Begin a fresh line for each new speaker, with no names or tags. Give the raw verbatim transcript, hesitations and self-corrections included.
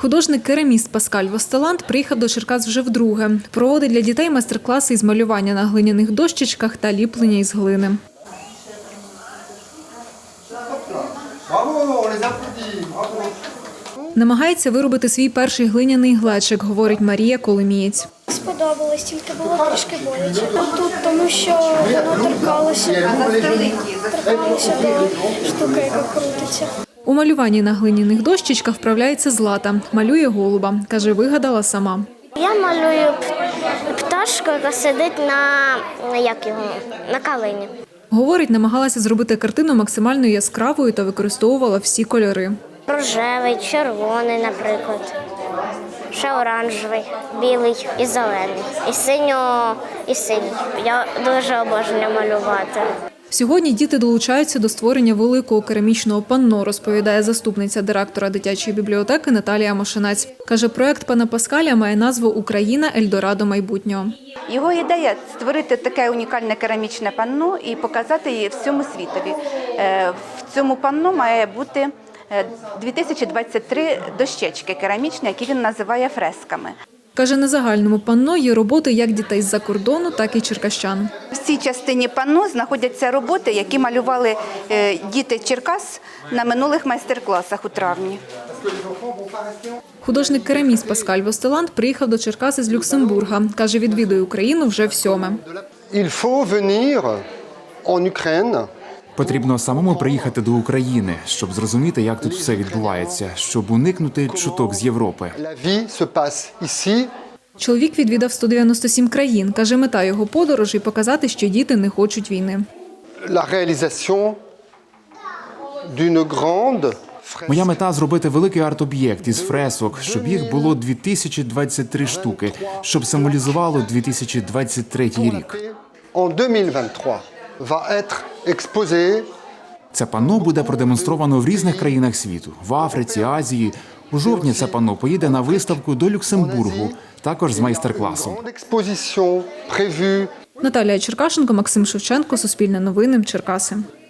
Художник-кераміст Паскаль Востеланд приїхав до Черкас вже вдруге. Проводить для дітей майстер-класи із малювання на глиняних дощечках та ліплення із глини. Намагається виробити свій перший глиняний глечик, говорить Марія Коломієць.
Сподобалось, тільки було трішки боляче. Тут, тому що воно торкалося, торкалося до штуки, яка крутиться.
У малюванні на глиняних дощечках вправляється Злата. Малює голуба. Каже, вигадала сама.
Я малюю пташку, яка сидить на, як його, на калині.
Говорить, намагалася зробити картину максимально яскравою та використовувала всі кольори.
Рожевий, червоний, наприклад. Ще оранжевий, білий і зелений. І синьо, і синій. Я дуже обожнюю малювати.
Сьогодні діти долучаються до створення великого керамічного панно, розповідає заступниця директора дитячої бібліотеки Наталія Мошенець. Каже, проект пана Паскаля має назву «Україна. Ельдорадо майбутнього».
Його ідея – створити таке унікальне керамічне панно і показати її всьому світові. В цьому панно має бути дві тисячі двадцять три дощечки керамічні, які він називає фресками.
Каже, на загальному панно є роботи як дітей з-за кордону, так і черкащан.
В цій частині панно знаходяться роботи, які малювали діти Черкас на минулих майстер-класах у травні.
Художник-кераміст Паскаль Востеланд приїхав до Черкас із Люксембурга. Каже, відвідує Україну вже всьоме.
Il faut venir en Ukraine.
Потрібно самому приїхати до України, щоб зрозуміти, як тут все відбувається, щоб уникнути чуток з Європи.
La vie se passe ici.
Чоловік відвідав сто дев'яносто сім країн. Каже, мета його подорожі – показати, що діти не хочуть війни.
La réalisation d'une grande
Моя мета – зробити великий арт-об'єкт із фресок, щоб їх було дві тисячі двадцять три штуки, щоб символізувало дві тисячі двадцять третій рік.
en deux mille vingt-trois va être exposé.
Це панно буде продемонстровано в різних країнах світу – в Африці, Азії. У жовтні це панно поїде на виставку до Люксембургу, також з майстер-класом.
Exposition prévue.
Наталія Черкашенко, Максим Шевченко, Суспільне новини, Черкаси.